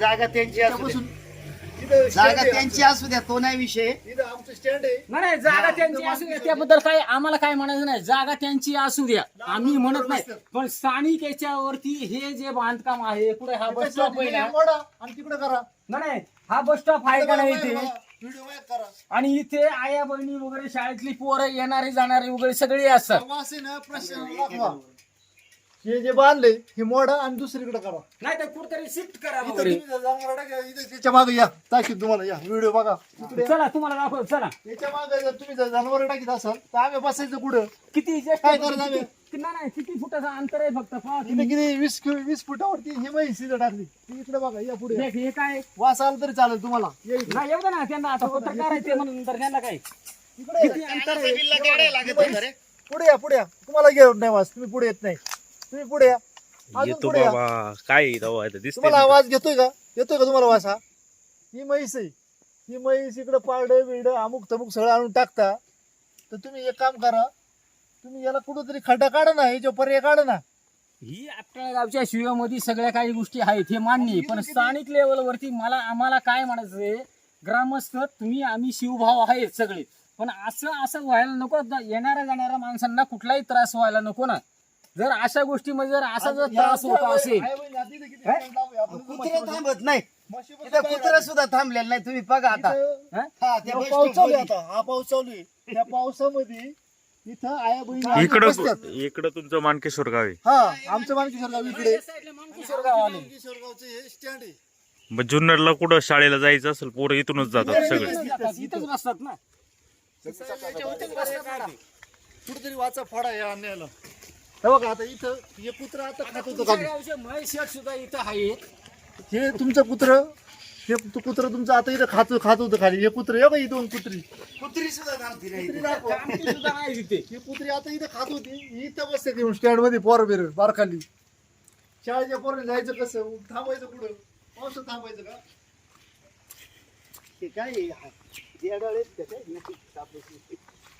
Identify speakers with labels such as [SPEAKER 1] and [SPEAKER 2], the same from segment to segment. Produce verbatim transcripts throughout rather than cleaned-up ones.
[SPEAKER 1] जागा त्यांची असू द्या.
[SPEAKER 2] इथं
[SPEAKER 1] जागा
[SPEAKER 2] stand आहे
[SPEAKER 1] त्यांची
[SPEAKER 2] आमचं.
[SPEAKER 1] असू द्या, तो नाही विषय.
[SPEAKER 2] इथं आमचं स्टँड आहे.
[SPEAKER 3] नाही नाही, जागा त्यांची असू द्या त्याबद्दल काय आम्हाला काय म्हणायचं नाही. जागा त्यांची असू द्या, आम्ही म्हणत नाही. पण स्थानिक याच्यावरती हे जे बांधकाम आहे पुढे हा बस स्टॉप आहे ना,
[SPEAKER 2] मोडा आणि तिकडे करा.
[SPEAKER 3] नाही नाही, हा बस स्टॉप आहे का नाही इथे,
[SPEAKER 2] व्हिडिओ करा.
[SPEAKER 3] आणि इथे आया बहिणी वगैरे शाळेतली पोरं येणारे जाणारे वगैरे सगळे असतात.
[SPEAKER 2] तेव्हा असे ना प्रश्न दाखवा. हे जे बांधले हे मोडा आणि दुसरीकडे करा.
[SPEAKER 3] नाही तर कुठतरी शिफ्ट करा
[SPEAKER 2] इथं
[SPEAKER 3] वगैरे.
[SPEAKER 2] तुम्ही जनावरं टाका, इथं त्याच्या मागे या दाखवीत तुम्हाला या व्हिडिओ बघा तिकडे.
[SPEAKER 3] चला तुम्हाला दाखव, चला
[SPEAKER 2] याच्या मागे जर तुम्ही जर जनावर टाकीत असाल तर आम्ही बसायचं कुठं?
[SPEAKER 3] किती just
[SPEAKER 2] काय करायचं आम्ही?
[SPEAKER 3] किती- नाही नाही, किती फुटाचं अंतर आहे फक्त पहा
[SPEAKER 2] इथे
[SPEAKER 3] तुम्ही.
[SPEAKER 2] किती वीस वीस फुटावरती ही म्हैस इथं टाकली. ती इकडे बघा या पुढे या.
[SPEAKER 3] देख, हे काय
[SPEAKER 2] वास आला तरी चालेल तुम्हाला. या इकडे.
[SPEAKER 3] नाही एवढं ना, त्यांना आता पत्रकार आहे ते म्हणून तर त्यांना काय
[SPEAKER 2] इकडे
[SPEAKER 3] किती
[SPEAKER 2] या.
[SPEAKER 3] अंतर आहे.
[SPEAKER 1] बिल्ला केवढ्या लागत होतं रे?
[SPEAKER 2] पुढे या पुढे या. तुम्हाला घेऊन नाही वास, तुम्ही पुढे येत नाही. तुम्ही पुढे या. अजून
[SPEAKER 4] येतो
[SPEAKER 2] पुढे या.
[SPEAKER 4] बाबा, काय दिसतंय
[SPEAKER 2] तुम्हाला आवाज घेतोय का? येतोय का तुम्हाला वास? हा ही म्हैस आहे. ही म्हैस इकडे पारडं बिरड अमुक तमुक सगळं आणून टाकता. तर तुम्ही एक काम करा, तुम्ही याला कुठंतरी खड्डा काढा ना, याच्या पर्याय काढा ना.
[SPEAKER 3] ही आपल्या गावच्या शिवामध्ये सगळ्या काही गोष्टी आहेत हे मान्य आहे. पण स्थानिक लेवलवरती मला आम्हाला काय म्हणायचंय, ग्रामस्थ तुम्ही आम्ही शिवभाव आहेत सगळे, पण असं असं व्हायला नको. येणाऱ्या जाणाऱ्या माणसांना कुठलाही त्रास व्हायला नको ना. जर अशा गोष्टीमध्ये जर असा जर त्रास होत असेल,
[SPEAKER 2] आहे बहिणी, आता इथं किती stand लावू आहे? आपण
[SPEAKER 1] कुत्रं थांबत नाही,
[SPEAKER 2] म्हशीपासून
[SPEAKER 1] इथं
[SPEAKER 2] बाहेर
[SPEAKER 1] कुत्रं सुद्धा थांबलेलं नाही. तुम्ही बघा आता.
[SPEAKER 2] इथं-
[SPEAKER 3] हा?
[SPEAKER 1] हा, त्या
[SPEAKER 2] हा,
[SPEAKER 1] बस
[SPEAKER 2] पाऊस चालू आहे
[SPEAKER 1] स्टॉपमध्ये.
[SPEAKER 2] आता. हा पाऊस चालू आहे. त्या पावसामध्ये इथं आया बहिणी
[SPEAKER 4] इकडं
[SPEAKER 2] बसतात.
[SPEAKER 4] इकडं तुमचं मानकेश्वर गाव आहे.
[SPEAKER 2] हा आमचं मानकेश्वर गाव इकडे.
[SPEAKER 3] किशोर गावाने
[SPEAKER 2] मानकेश्वर गावचं हे स्टँड आहे.
[SPEAKER 4] मग जुन्नरला कुठं शाळेला जायचं असेल पोरं इथूनच जातात सगळे.
[SPEAKER 3] इथंच बसतात ना.
[SPEAKER 2] कुठेतरी वाचा फोडा या अन्यायाला. हे बघा आता इथं हे कुत्र आता खात होतं
[SPEAKER 3] तुमच्या
[SPEAKER 2] खाली.
[SPEAKER 3] गावचे महेश शेठ सुद्धा इथं आहेत.
[SPEAKER 2] हे तुमचं कुत्र हे कुत्र तुमचं आता इथं खात खात होतं खाली. हे कुत्र हे बघा ही दोन कुत्री.
[SPEAKER 1] कुत्री सुद्धा थांबती नाही.
[SPEAKER 2] कुत्री दाखवा.
[SPEAKER 3] आमची सुद्धा नाही तिथे.
[SPEAKER 2] ही कुत्री आता इथं खात होती. ही इथं बसते येऊन स्टँड मध्ये पोर बिर बारखाली. शाळेच्या पोरांनी जायचं कसं? थांबायचं कुठं? पावसात थांबायचं का?
[SPEAKER 1] हे काय आहे? हा, येडाळ आहेत का काय?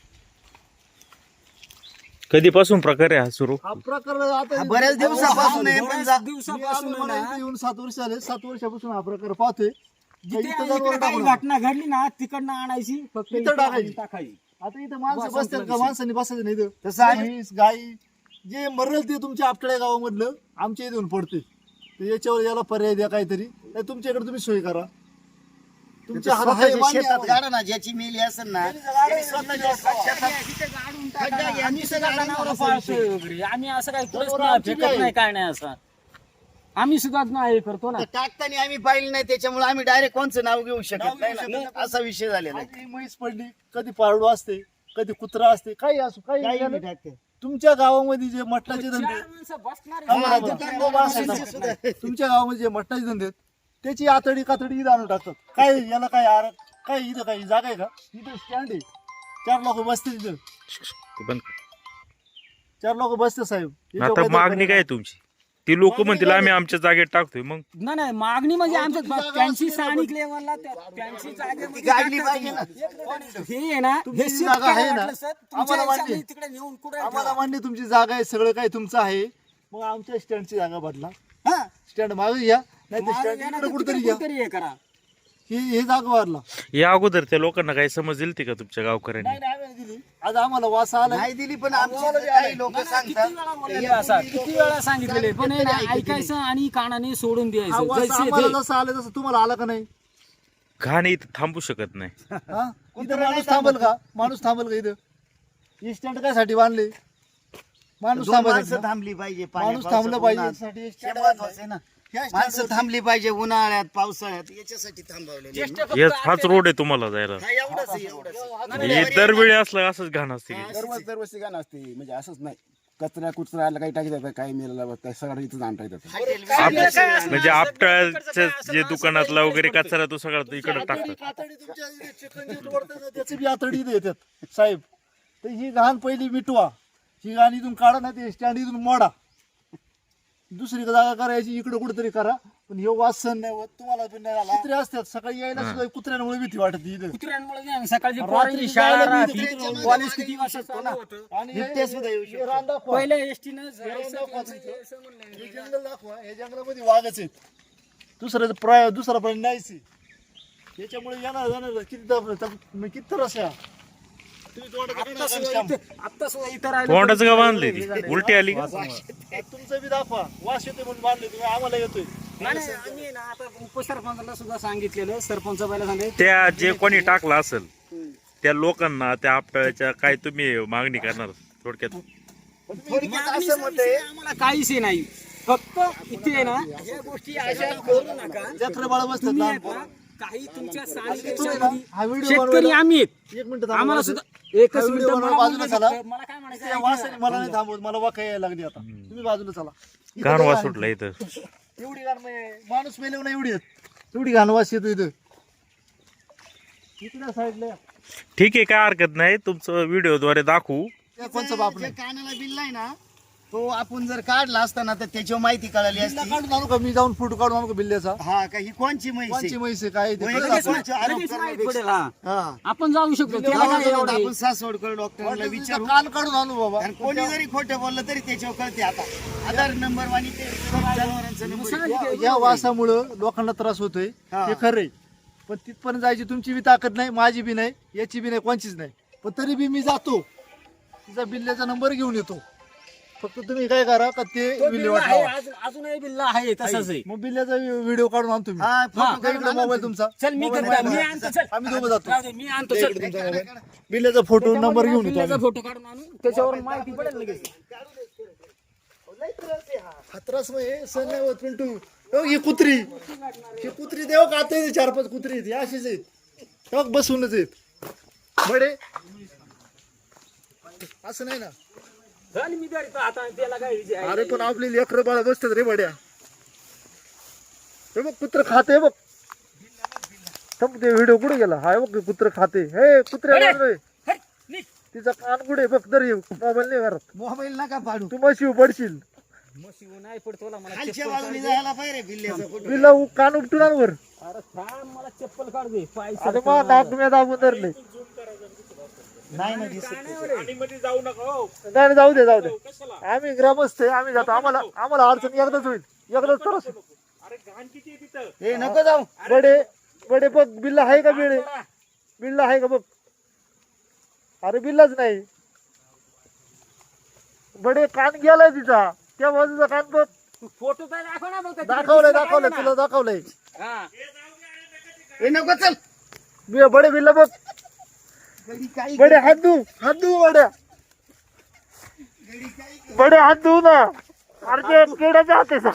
[SPEAKER 4] कधीपासून प्रकार आहे हा सुरू?
[SPEAKER 2] हा प्रकार आता
[SPEAKER 1] हा, बऱ्याच दिवसापासून आहे, पण
[SPEAKER 3] बऱ्याच
[SPEAKER 1] जा-
[SPEAKER 2] मी
[SPEAKER 3] दिवसापासून
[SPEAKER 2] आलो,
[SPEAKER 3] आहे
[SPEAKER 2] मला
[SPEAKER 3] ना,
[SPEAKER 2] इथं येऊन सात वर्ष आले. सात वर्षापासून हा प्रकार पाहतोय.
[SPEAKER 3] जिथे
[SPEAKER 2] इथं
[SPEAKER 3] इकडे
[SPEAKER 2] जनावरं
[SPEAKER 3] काही
[SPEAKER 2] टाकून
[SPEAKER 3] घटना घडली ना तिकडनं आणायची फक्त
[SPEAKER 2] इथं टाकायची.
[SPEAKER 3] टाकायची.
[SPEAKER 2] आता इथं माणसं
[SPEAKER 3] बस,
[SPEAKER 2] बसतात का?
[SPEAKER 3] संपला
[SPEAKER 2] माणसांनी बसायचं नाही इथं.
[SPEAKER 1] तसं आहे.
[SPEAKER 2] म्हैस, गाई जे मरल ते तुमच्या आपटळ्या गावामधलं आमच्या इथे येऊन पडते. तर याच्यावर याला पर्याय द्या काहीतरी. नाही तुमच्याकडे तुम्ही सोय करा. तुमच्या हातात आहे,
[SPEAKER 1] स्वतःच्या
[SPEAKER 2] मान्य
[SPEAKER 1] शेतात
[SPEAKER 2] आहे.
[SPEAKER 1] गाडा ना, ज्याची मेली असेल ना त्यांनी स्वतःच्या शेतात
[SPEAKER 3] तिथे गाडून
[SPEAKER 1] खड्डा
[SPEAKER 3] टाका.
[SPEAKER 1] घ्या,
[SPEAKER 3] आम्ही
[SPEAKER 1] तिथं
[SPEAKER 3] सुद्धा
[SPEAKER 1] गाडा
[SPEAKER 3] जनावरं
[SPEAKER 1] नका
[SPEAKER 3] पाळतोय वगैरे. आम्ही असं काही कुठेच
[SPEAKER 2] जनावरं
[SPEAKER 3] नाही
[SPEAKER 2] आमची
[SPEAKER 3] फेकत
[SPEAKER 2] नाही.
[SPEAKER 3] नाही, काय नाही असं. आम्ही सुद्धा नाही हे करतो ना.
[SPEAKER 1] तर टाकताना आम्ही पाहिलं नाही, त्याच्यामुळे आम्ही डायरेक्ट कोणचं नाव घेऊ शकत
[SPEAKER 2] नाव
[SPEAKER 1] नाही
[SPEAKER 2] घेऊ
[SPEAKER 1] ना.
[SPEAKER 2] शकत
[SPEAKER 1] असा विषय झालेला आहे.
[SPEAKER 2] आज ही म्हैस पडली, कधी पारडू असते, कधी कुत्रा असते, काही असो काही
[SPEAKER 1] काही
[SPEAKER 2] झालं.
[SPEAKER 1] नाही टाकते.
[SPEAKER 2] तुमच्या गावामध्ये जे मटणाचे
[SPEAKER 3] चार
[SPEAKER 2] धंदे
[SPEAKER 3] माणसं बसणारे
[SPEAKER 2] थांबा,
[SPEAKER 3] जनावरं.
[SPEAKER 2] थांबा,
[SPEAKER 1] थांबा,
[SPEAKER 2] थांबा,
[SPEAKER 1] थांबा,
[SPEAKER 2] थांबा.
[SPEAKER 1] सुद्धा.
[SPEAKER 2] तुमच्या गावामध्ये जे मटणाचे धंदे आहेत त्याची आतडी कातडी इथं आणून टाकतात. काय याला काय आर काय इथं काही जागा आहे का? इथं स्टँड आहे. चार लोक बसते तिथं.
[SPEAKER 4] ते पण
[SPEAKER 2] चार लोक बसते साहेब. याच्यावर
[SPEAKER 4] आता
[SPEAKER 2] काहीतरी
[SPEAKER 4] मागणी काय आहे तुमची? ती लोक
[SPEAKER 2] मागणी
[SPEAKER 4] म्हणतील
[SPEAKER 2] काय
[SPEAKER 4] आम्ही
[SPEAKER 2] आहे?
[SPEAKER 4] आमच्या जागेत टाकतोय. मग
[SPEAKER 3] नाही नाही, मागणी म्हणजे आमच्या
[SPEAKER 2] तुमची जागा
[SPEAKER 3] त्यांची
[SPEAKER 2] असते ना,
[SPEAKER 3] स्थानिक
[SPEAKER 2] पण-
[SPEAKER 3] लेवलला त्या- त्यांची जागेमध्ये
[SPEAKER 1] गाडली
[SPEAKER 3] टाकतात
[SPEAKER 1] पाहिजे ना.
[SPEAKER 3] तुम्ही. हे आहे ना,
[SPEAKER 2] तुमची
[SPEAKER 3] हे
[SPEAKER 2] जी
[SPEAKER 3] shift
[SPEAKER 2] जागा आहे
[SPEAKER 3] करायला
[SPEAKER 2] ना,
[SPEAKER 3] वाटलं सर, तुमच्या
[SPEAKER 2] आम्हाला मान्य.
[SPEAKER 3] ह्याच्यामध्ये तिकडे नेऊन कुठे
[SPEAKER 2] आम्हाला मान्य तुमची जागा आहे, सगळं काही तुमचं आहे. मग आमच्या स्टँडची जागा बदला.
[SPEAKER 1] हा.
[SPEAKER 2] स्टँड मागे घ्या, नाही तर स्टँड इकडे कुठेतरी घ्या.
[SPEAKER 3] कुठेतरी हे करा.
[SPEAKER 2] ही हे जागा वाढला.
[SPEAKER 4] या अगोदर त्या लोकांना काही समज दिली का तुमच्या गावकऱ्यांनी?
[SPEAKER 2] नाही नाही, आम्ही नाही दिली. आज आम्हाला वास आला.
[SPEAKER 1] नाही दिली, पण आमचे काही लोक
[SPEAKER 3] किती
[SPEAKER 1] सांगतात
[SPEAKER 3] वेळा बोललेले असं, किती वेळा सांगितलेले, पण हे ना, ऐकायचं आणि कानाने सोडून
[SPEAKER 2] हा
[SPEAKER 3] द्यायचं.
[SPEAKER 2] वास
[SPEAKER 3] जैसे
[SPEAKER 2] आम्हाला
[SPEAKER 3] ते.
[SPEAKER 2] जसं आलं तसं तुम्हाला आला का नाही?
[SPEAKER 4] घाण इथं थांबू शकत नाही.
[SPEAKER 2] हा? इथं माणूस थांबल का? माणूस थांबल का इथं? ही स्टँड काय साठी बांधले? माणूस
[SPEAKER 1] दोन
[SPEAKER 2] थांबायचं
[SPEAKER 1] माणसं
[SPEAKER 2] ना?
[SPEAKER 1] थांबली पाहिजे.
[SPEAKER 2] माणूस
[SPEAKER 1] पाण्या-
[SPEAKER 2] थांबलं
[SPEAKER 1] पावसात,
[SPEAKER 2] पाहिजे
[SPEAKER 1] उन्हात.
[SPEAKER 2] यासाठी
[SPEAKER 1] हे
[SPEAKER 2] stand
[SPEAKER 1] महत्वाचं आहे ना.
[SPEAKER 2] ह्या stand
[SPEAKER 1] माणसं
[SPEAKER 2] वरती-
[SPEAKER 1] थांबली पाहिजे उन्हाळ्यात पावसाळ्यात, याच्यासाठी थांबवलेले.
[SPEAKER 3] चेष्टा फक्त
[SPEAKER 4] हेच हाच
[SPEAKER 3] आपल्या-
[SPEAKER 4] रोड आहे तुम्हाला जायला.
[SPEAKER 1] हा, एवढंच आहे, एवढंच आहे.
[SPEAKER 4] हे दरवेळी असलं असंच घाण असते.
[SPEAKER 5] दरवर्षी दरवर्षी गाणं असते म्हणजे असंच नाही. कचरा कुचरा आला काही टाकतात काही मेला सगळं इथं आणता येतात.
[SPEAKER 1] हॉटेल
[SPEAKER 4] आप- म्हणजे आपटाच्या जे दुकानातला वगैरे कचरा तो सगळा इकडे
[SPEAKER 2] आतडी-
[SPEAKER 4] टाकतात.
[SPEAKER 2] आतडी तुमच्या इथे चिकन जे वरतं ना, त्याची बी आतडी इथे येतात साहेब. तर ही घाण पहिली मिटवा. ही घाण इथून काढा ना, ते स्टँड इथून मोडा. दुसरी जागा करायची, इकडे कुठेतरी करा. पण हे वास सहन नाही होत तुम्हाला. पण नाही आला. कुत्रे असतात सकाळी यायला सुद्धा कुत्र्यांमुळे भीती वाटत इथं.
[SPEAKER 3] कुत्र्यांमुळे नाही, सकाळची
[SPEAKER 2] रात्री
[SPEAKER 3] पोरांची शाळा
[SPEAKER 2] जायला
[SPEAKER 3] राहते,
[SPEAKER 2] मी तिथे
[SPEAKER 3] कॉलेज किती वाजता चालू होतं.
[SPEAKER 2] आणि हे-
[SPEAKER 1] बिबट्या सुद्धा येऊ
[SPEAKER 2] हे रान दाखवा.
[SPEAKER 3] पहिल्या एसटीनं
[SPEAKER 2] हे रान दाखवा तुमचं. हे जंगल दाखवा. हे जंगलामध्ये वाघच आहेत. दुसऱ्याचं प्राय दुसरा प्राणी नाहीच आहे. त्याच्यामुळे येणार जाणार किती दब- दब- म्हणजे किती त्रास आहे हा. तुम्ही तोंडाचं
[SPEAKER 3] आत्ता
[SPEAKER 2] काढा
[SPEAKER 3] सुद्धा
[SPEAKER 2] काम.
[SPEAKER 3] इथं- आत्ता सुद्धा इथं राहिलं
[SPEAKER 4] तोंडाचं का
[SPEAKER 3] तरी
[SPEAKER 4] बांधलंय
[SPEAKER 3] हे
[SPEAKER 4] ती
[SPEAKER 3] झालंय.
[SPEAKER 4] उलटी आली का
[SPEAKER 2] तुमचं बी दाखवा वास येतोय म्हणून बांधले तुम्ही आम्हाला येतोय.
[SPEAKER 3] नाही नाही, आम्ही ना आता उपसरपंचाला सुद्धा सांगितलेलं सरपंच बायला सांगितलं
[SPEAKER 4] त्या जे कोणी टाकला असेल त्या लोकांना त्या आपट्याच्या काय तुम्ही मागणी करणार थोडक्यात
[SPEAKER 1] थोडक्यात
[SPEAKER 3] मागणी
[SPEAKER 1] असं मत आहे
[SPEAKER 3] आम्हाला काहीच हे नाही फक्त इथे आहे ना या गोष्टी अशा करू नका
[SPEAKER 2] जत्रा बाळा बसतात
[SPEAKER 3] तुम्ही
[SPEAKER 2] लहान
[SPEAKER 3] आहेत ना, काही तुमच्या स्थानिक
[SPEAKER 2] तुम्ही ना,
[SPEAKER 3] याच्यामध्ये
[SPEAKER 2] हा व्हिडिओ
[SPEAKER 3] शेतकरी
[SPEAKER 2] बनवायला-
[SPEAKER 3] आम्ही आहेत.
[SPEAKER 2] एक मिनिट थांबा.
[SPEAKER 3] आम्हाला
[SPEAKER 2] मला
[SPEAKER 3] सुद्धा एकच
[SPEAKER 2] हा
[SPEAKER 3] मिनिट
[SPEAKER 2] व्हिडिओ
[SPEAKER 3] मला
[SPEAKER 2] बनवा, बाजूला
[SPEAKER 3] बोलायचं
[SPEAKER 2] चला.
[SPEAKER 3] आहे. मला काय म्हणायचं
[SPEAKER 2] त्या
[SPEAKER 3] आहे,
[SPEAKER 2] वासाने मला नाही थांबवत मला वाका यायला लागली आता तुम्ही बाजूला चला. इथं
[SPEAKER 4] घाण
[SPEAKER 2] काय
[SPEAKER 4] वास
[SPEAKER 2] आहे?
[SPEAKER 4] सुटला इथं
[SPEAKER 2] एवढी घाण म्हणजे माणूस मेले ना एवढी आहेत. एवढी घाण वास येतो इथं इकडल्या साईडला या.
[SPEAKER 4] ठीक आहे काय हरकत नाही तुमचं व्हिडिओद्वारे दाखवू
[SPEAKER 2] त्या कोणचं बाप
[SPEAKER 1] जे
[SPEAKER 2] नाही
[SPEAKER 1] कानाला बिल आहे ना तो आपण जर काढला असताना तर त्याच्यावर माहिती कळाली
[SPEAKER 2] बिल्ला
[SPEAKER 1] असती.
[SPEAKER 2] काढून आणू का मी जाऊन फोटो काढून आणू का बिल्ल्याचा
[SPEAKER 1] हा का ही कोणची म्हैस
[SPEAKER 2] कोणची
[SPEAKER 1] आहे?
[SPEAKER 2] म्हैस आहे काय ते
[SPEAKER 1] वय
[SPEAKER 2] कळलं
[SPEAKER 1] लगेच
[SPEAKER 2] आपण.
[SPEAKER 1] माहिती आरोप
[SPEAKER 3] लगेच माहित
[SPEAKER 1] करण्यापेक्षा.
[SPEAKER 3] पडेल, हा.
[SPEAKER 1] हा.
[SPEAKER 3] आपण जाऊ शकतो त्याला
[SPEAKER 1] तेव्हा
[SPEAKER 3] काय
[SPEAKER 1] जाऊन
[SPEAKER 3] एवढं आहे?
[SPEAKER 1] आपण सासवडकर डॉक्टरला
[SPEAKER 2] वाटलं तिचं
[SPEAKER 1] विचारू
[SPEAKER 2] कान काढून आणू बाबा
[SPEAKER 1] आणि कोणी जरी खोटं बोललं तरी त्याच्यावर कळते आता आधार नंबर वाणी ते जनावरांचा नंबर आहे.
[SPEAKER 2] या- या वासामुळं लोकांना त्रास होतोय
[SPEAKER 1] हा.
[SPEAKER 2] हे खरंय पण तिथपर्यंत जायची तुमची बी ताकद नाही माझी बी नाही याची बी नाही कोणचीच नाही पण तरी बी मी जातो तिचा बिल्ल्याचा नंबर घेऊन येतो फक्त तुम्ही काय करा का ते
[SPEAKER 3] तो
[SPEAKER 2] बिल्ले
[SPEAKER 3] बिल्ला आहे,
[SPEAKER 2] वाटवा
[SPEAKER 3] अजून- अजूनही बिल्ला आहे तसंच आहे
[SPEAKER 2] मग बिल्ल्याचा व्हिडिओ काढून आणतो मी
[SPEAKER 1] हा,
[SPEAKER 3] हा,
[SPEAKER 1] फोटो काढून
[SPEAKER 2] इकडे
[SPEAKER 1] आणा
[SPEAKER 2] मोबाईल
[SPEAKER 1] तुम्ही.
[SPEAKER 2] तुमचा
[SPEAKER 3] चल मी
[SPEAKER 2] मोबाईल
[SPEAKER 3] करतो, मी
[SPEAKER 2] माझा.
[SPEAKER 3] आणतो चल
[SPEAKER 2] आम्ही दोघं जातो
[SPEAKER 3] राहू दे, मी आणतो चल
[SPEAKER 2] इकडे तुमचा मोबाईल. बिल्ल्याचा फोटो नंबर घेऊन येतो
[SPEAKER 3] बिल्ल्याचा
[SPEAKER 2] आम्ही.
[SPEAKER 3] फोटो काढून आणू त्याच्यावर माहिती पडेल लगेच
[SPEAKER 1] लय त्रास आहे हा.
[SPEAKER 2] हातरास म्हणजे सण नाही होत पिंटू हो, ही कुत्री ही कुत्री देव का आता चार पाच कुत्री आहेत ही अशीच आहेत टक बसूनच आहेत बडे असं नाही ना
[SPEAKER 3] झाली मी तरी आता त्याला काय विजय आहे?
[SPEAKER 2] अरे पण आपली लेकरं बाळा बसतात रे बड्या हे बघ कुत्र खाते बघ थांब, ते व्हिडिओ कुठे गेला हाय बघ कुत्र खाते हे कुत्रे
[SPEAKER 3] अरे! हट, निघ.
[SPEAKER 2] तिचा कान कुठे बघ तर मोबाईल नाही घरात
[SPEAKER 1] मोबाईल नका पाडू
[SPEAKER 2] तू मशी पडशील
[SPEAKER 3] म्हशी नाही पडतो मला मला
[SPEAKER 1] खालच्या
[SPEAKER 3] चप्पल
[SPEAKER 1] बाजूने
[SPEAKER 3] काढ दे.
[SPEAKER 1] जायला पाहिजे बिल्ल्याचा फोटो
[SPEAKER 2] तिला उ- कान उपटून आण वर
[SPEAKER 3] अरे थांब मला चप्पल काढ दे पाय
[SPEAKER 2] अरे
[SPEAKER 3] सरकव
[SPEAKER 2] मग
[SPEAKER 3] मला.
[SPEAKER 2] दाब मी दाबून धरले
[SPEAKER 1] नाही ना दिसत त्याच्यात.
[SPEAKER 2] नाही नाही, जाऊ दे जाऊ दे आम्ही ग्रामस्थ आहे आम्ही जातो आम्हाला आम्हाला अडचण एकदाच होईल एकदाच तर
[SPEAKER 1] ए नको जाऊ
[SPEAKER 2] बडे बडे बघ बिल्ला आहे का बिळे बिल्ला आहे का बघ अरे बिल्लाच नाही बडे कान गेलाय तिचा त्या बाजूचा कान बघ
[SPEAKER 3] फोटो तर दाखव ना बघ
[SPEAKER 2] दाखवलंय दाखवलंय तुला दाखवलंय
[SPEAKER 3] हा
[SPEAKER 1] ए नको चल
[SPEAKER 2] बि- बडे बिल्ला बघ
[SPEAKER 1] गडी काही
[SPEAKER 2] बडे हात धू हात धू बड्या बडे हात धू ना अरे ते किड्याच्या हातेचा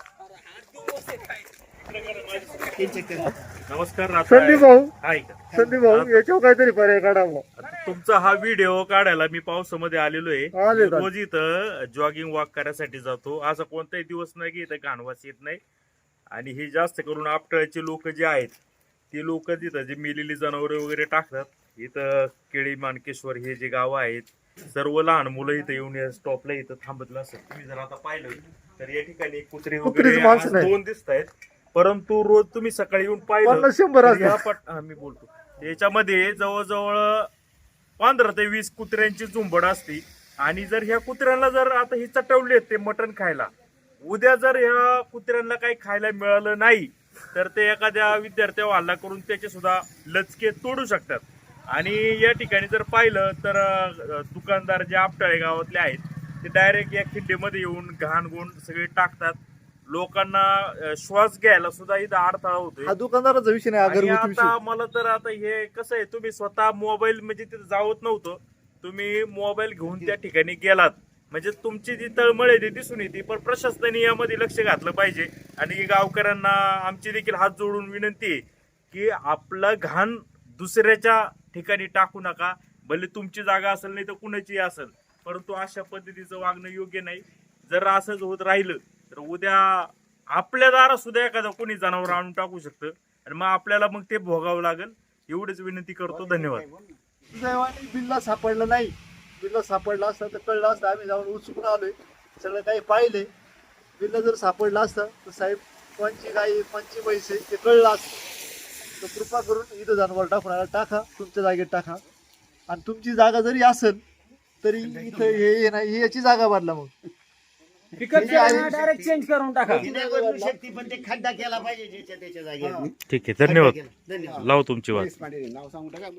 [SPEAKER 4] नमस्कार
[SPEAKER 2] संदीप भाऊ
[SPEAKER 4] हाय का?
[SPEAKER 2] संदीप भाऊ याच्यावर काहीतरी पर्याय काढावा
[SPEAKER 4] आता तुमचा हा व्हिडिओ काढायला मी पावसामध्ये आलेलो आहे
[SPEAKER 2] आले का?
[SPEAKER 4] रोज इथं जॉगिंग वॉक करायसाठी जातो असा कोणताही दिवस नाही की इथं घाणवास येत नाही आणि हे जास्त करून आपटळचे लोक जे आहेत ते लोक तिथं जे मेलेली जनावरे वगैरे टाकतात इथं केळी मानकेश्वर हे जे गाव आहेत सर्व लहान मुलं इथं येऊन या स्टॉपला इथं थांबतलं असत तुम्ही जर आता पाहिलं तर या ठिकाणी कुत्रे
[SPEAKER 2] कुत्रीच
[SPEAKER 4] वगैरे
[SPEAKER 2] माणसं
[SPEAKER 4] आज
[SPEAKER 2] नाही.
[SPEAKER 4] दोन दिसत आहेत परंतु रोज तुम्ही सकाळी येऊन पाहिलं
[SPEAKER 2] पन्नास शंभर
[SPEAKER 4] तर
[SPEAKER 2] असतात.
[SPEAKER 4] या पट हा, मी बोलतो याच्यामध्ये जवळजवळ पंधरा ते वीस कुत्र्यांची झुंबड असते आणि जर ह्या कुत्र्यांना जर आता ही चटवले ते मटण खायला उद्या जर ह्या कुत्र्यांना काही खायला मिळालं नाही तर ते एखाद्या विद्यार्थ्यावर हल्ला करून त्याचे सुद्धा लचके तोडू शकतात आणि या ठिकाणी जर पाहिलं तर अं, दुकानदार जे आपटाळे गावातले आहेत ते डायरेक्ट या खिड्डीमध्ये येऊन घाण गुण सगळे टाकतात लोकांना अं, श्वास घ्यायला सुद्धा इथं अडथळा होतोय
[SPEAKER 2] हा दुकानदाराचा विषय नाही
[SPEAKER 4] आणि
[SPEAKER 2] अगरबत्ती
[SPEAKER 4] आता
[SPEAKER 2] विषय
[SPEAKER 4] मला तर आता हे कसं आहे तुम्ही स्वतः मोबाईल म्हणजे तिथे जावत नव्हतं तुम्ही मोबाईल घेऊन त्या ठिकाणी गेलात म्हणजे तुमची जी तळमळ आहे ती दिसून येते पण प्रशासनाने यामध्ये लक्ष घातलं पाहिजे आणि गावकऱ्यांना आमची देखील हात जोडून विनंती आहे की आपलं घाण दुसऱ्याच्या ठिकाणी टाकू नका भले तुमची जागा असेल नाही तर कुणाची असेल परंतु अशा पद्धतीचं वागणं योग्य नाही जर असंच होत राहिलं तर उद्या आपल्या दारात सुद्धा एखादं कोणी जनावर आणून टाकू शकतं आणि मग आपल्याला मग ते भोगावं लागेल एवढीच विनंती करतो धन्यवाद
[SPEAKER 2] दैवाने बिल्ला सापडला नाही बिल्ला सापडला असता तर कळलं असतं आम्ही जाऊन उत्सुकून आलोय सगळं काही पाहिले बिल्ला जर सापडला असता तर साहेब कोणची गाई कोणची म्हैस आहे ते कळलं असतं तर कृपा करून इथं जनावर टाकून टाका तुमच्या जागेत टाका आणि तुमची जागा जरी असेल तरी इथं हे हे नाही ही याची जागा बदला मग
[SPEAKER 3] पिकअप डायरेक्ट चेंज करून टाका.
[SPEAKER 1] ती नाही बदलू शकते पण ते खड्डा केला पाहिजे ज्याच्या त्याच्या जागेवर.
[SPEAKER 4] ठीक आहे, धन्यवाद.
[SPEAKER 1] धन्यवाद.
[SPEAKER 4] लाव तुमची वाट.
[SPEAKER 5] नाव सांगू टाका.